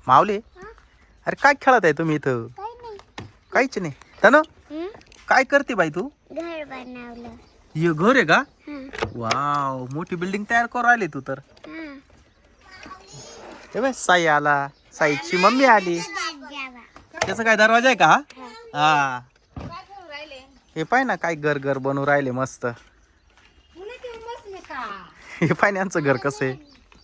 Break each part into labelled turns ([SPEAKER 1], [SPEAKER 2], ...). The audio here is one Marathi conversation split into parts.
[SPEAKER 1] माऊली अरे काय खेळत आहे तुम्ही इथं? काहीच नाही. तनु काय करते बाई तू?
[SPEAKER 2] घर बनवलं.
[SPEAKER 1] हे घर आहे का? वाव, मोठी बिल्डिंग तयार करू राहिली तू तर. हे बाय साई आला, साईची मम्मी आली. त्याचा काय दरवाजा आहे का हा? हा. हे पाय ना काय घर घर बनवू राहिले मस्त. हे पाय ना यांचं घर कसं आहे.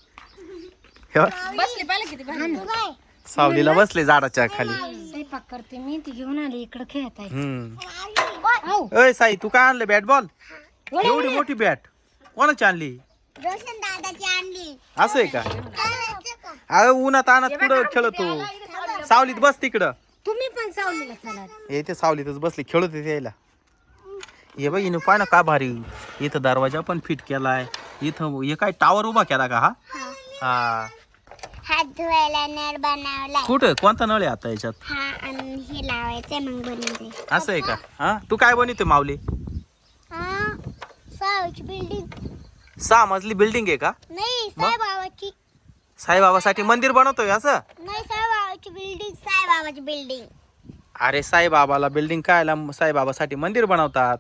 [SPEAKER 1] सावलीला बसले झाडाच्या खाली.
[SPEAKER 3] स्वयंपाक करते मी, ती घेऊन आली इकडे खेळत आहे.
[SPEAKER 1] ओय साई तू काय आणलं? Bat ball? एवढी मोठी बॅट कोणाची आणली?
[SPEAKER 2] रोशन दादाची आणली.
[SPEAKER 1] असं आहे का? अरे उन्हात आणत कुठं खेळतो? सावलीत बस तिकडं.
[SPEAKER 3] तुम्ही पण सावलीला चला.
[SPEAKER 1] येते सावलीतच बसले खेळत होते यायला. हे बघ इथं पाय ना का भारी. इथं दरवाजा पण फिट केलाय. इथं हे काय टावर उभा केला का हा? हा.
[SPEAKER 2] हात धुवायला नळ बनवलाय.
[SPEAKER 1] कुठं कोणता नळ आहे आता याच्यात?
[SPEAKER 2] हा आणि हे लावायचंय मग बनवते.
[SPEAKER 1] असं आहे का? हा तू काय बनवते माऊली?
[SPEAKER 2] हा सावची बिल्डिंग.
[SPEAKER 1] 6 मजली बिल्डिंग आहे का?
[SPEAKER 2] नाही साईबाबाची.
[SPEAKER 1] साईबाबासाठी मंदिर बनवतोय असं?
[SPEAKER 2] नाही साईबाबाची बिल्डिंग. साईबाबाची बिल्डिंग.
[SPEAKER 1] अरे साईबाबाला बिल्डिंग कायला? साईबाबासाठी मंदिर बनवतात.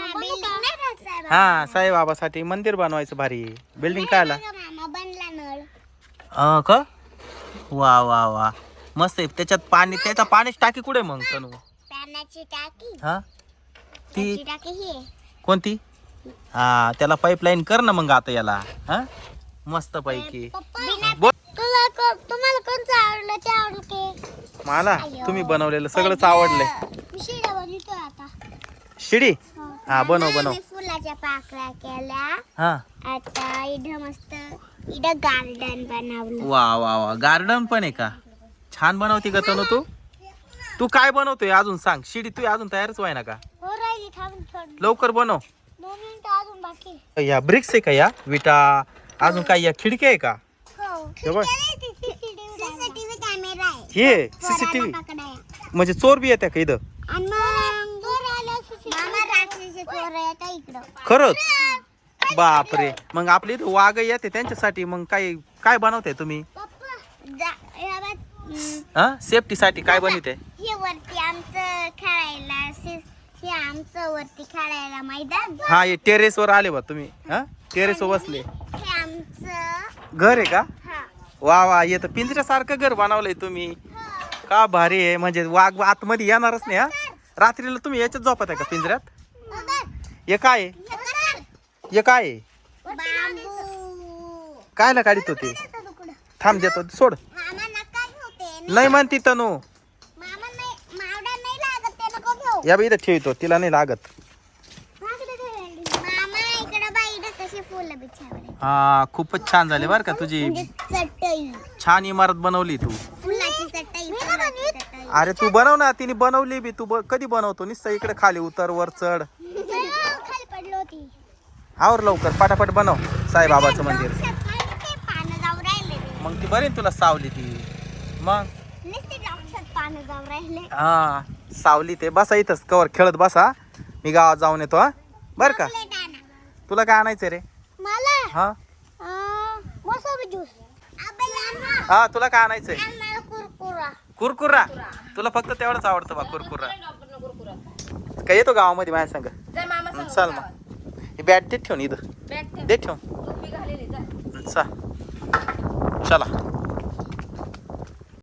[SPEAKER 1] हा साईबाबासाठी मंदिर बनवायचं भारी. बिल्डिंग कायला?
[SPEAKER 2] मामा बनला नळ.
[SPEAKER 1] का? वा वा वा मस्त आहे. त्याच्यात पाणी, त्याचा पाण्याची टाकी कुठे मग तनु?
[SPEAKER 2] पाण्याची टाकी.
[SPEAKER 1] हा ती
[SPEAKER 2] टाकी ही
[SPEAKER 1] कोणती? हा त्याला पाईपलाईन कर ना मग आता याला. हा मस्त पैकी.
[SPEAKER 2] तुम्हाला कोणतं आवडलं ते आवडते?
[SPEAKER 1] मला तुम्ही बनवलेलं सगळंच आवडलंय.
[SPEAKER 2] शिड्या बनवतोय आता.
[SPEAKER 1] शिडी? हा बनव बनव.
[SPEAKER 2] फुलाच्या पाकळ्या केल्या.
[SPEAKER 1] हा
[SPEAKER 2] आता इथं मस्त इथं गार्डन बनवलं.
[SPEAKER 1] वा वा वा गार्डन पण आहे का? छान बनवते का तनु तू? तू काय बनवतोय अजून सांग. शिडी तू अजून तयारच व्हाय ना का?
[SPEAKER 2] हो राहिली थांब
[SPEAKER 1] लवकर बनव.
[SPEAKER 2] 2 मिनिटं अजून बाकी.
[SPEAKER 1] या ब्रिक्स आहे का? या विटा अजून काय? या खिडकी आहे का?
[SPEAKER 2] हो.
[SPEAKER 1] हे बघ.
[SPEAKER 2] सीसीटीव्ही कॅमेरा आहे.
[SPEAKER 1] हे सीसीटीव्ही म्हणजे चोर बी येते का इथं?
[SPEAKER 2] आणि मग चोर आला मामा रात्रीचे चोर येतात इकडं.
[SPEAKER 1] खरंच? बापरे. मग आपल्या इथं वाघ येते त्यांच्यासाठी मग काय काय बनवताय तुम्ही? हा सेफ्टी साठी काय बनवते?
[SPEAKER 2] हे वरती आमचं खेळायला हे आमचं वरती खेळायला मैदान.
[SPEAKER 1] हा हे टेरेस वर आले बा तुम्ही. हा टेरेस वर बसले.
[SPEAKER 2] हे आमचं
[SPEAKER 1] घर आहे का?
[SPEAKER 2] हा.
[SPEAKER 1] वा वा येतं पिंजऱ्यासारखं घर बनवलंय तुम्ही. का भारी आहे. म्हणजे वाघ आतमध्ये येणारच नाही. हा रात्रीला तुम्ही याच्यात झोपत आहे का पिंजऱ्यात? हे काय आहे? हे काय आहे?
[SPEAKER 2] बांबू.
[SPEAKER 1] कायला काढित होते? थांब देतो सोड.
[SPEAKER 2] मामा नका घेऊ ते.
[SPEAKER 1] नाही म्हणती तनु.
[SPEAKER 2] मामा नाही मावडा नाही लागत ते नको घेऊ.
[SPEAKER 1] या बी इथं ठेवतो तिला नाही लागत.
[SPEAKER 2] मामा इकडे बाई इकडे कशी फुलं बिछावले.
[SPEAKER 1] हा खूपच छान झाले बरं का तुझी.
[SPEAKER 2] चटई.
[SPEAKER 1] छान इमारत बनवली तू.
[SPEAKER 2] फुलाची चटई.
[SPEAKER 1] अरे तू बनव ना. तिने बनवली बी. तू कधी बनवतो? नुसतं इकडे खाली उतर वर चढ.
[SPEAKER 2] खाली पडलो होती.
[SPEAKER 1] आवर लवकर पटापट बनव साईबाबाचं मंदिर.
[SPEAKER 2] पानं जाऊ राहिले.
[SPEAKER 1] मग ती बरी तुला सावली ती. मग
[SPEAKER 2] नुसते डॉक्टर पानं जाऊ राहिले.
[SPEAKER 1] हा सावली ते बसा इथंच कवर खेळत बसा. मी गावात जाऊन येतो. हा बर का? तुला काय आणायचं रे?
[SPEAKER 2] मला
[SPEAKER 1] हा
[SPEAKER 2] मोसंबी ज्यूस.
[SPEAKER 1] हा तुला काय आणायचंय?
[SPEAKER 2] मला कुरकुरा.
[SPEAKER 1] कुरकुरा? तुला फक्त तेवढंच आवडतं बा कुरकुरा. काय येतो गावामध्ये माझ्या संग? चल मग ही बॅट देत ठेवून इथं. देत ठेव. चला.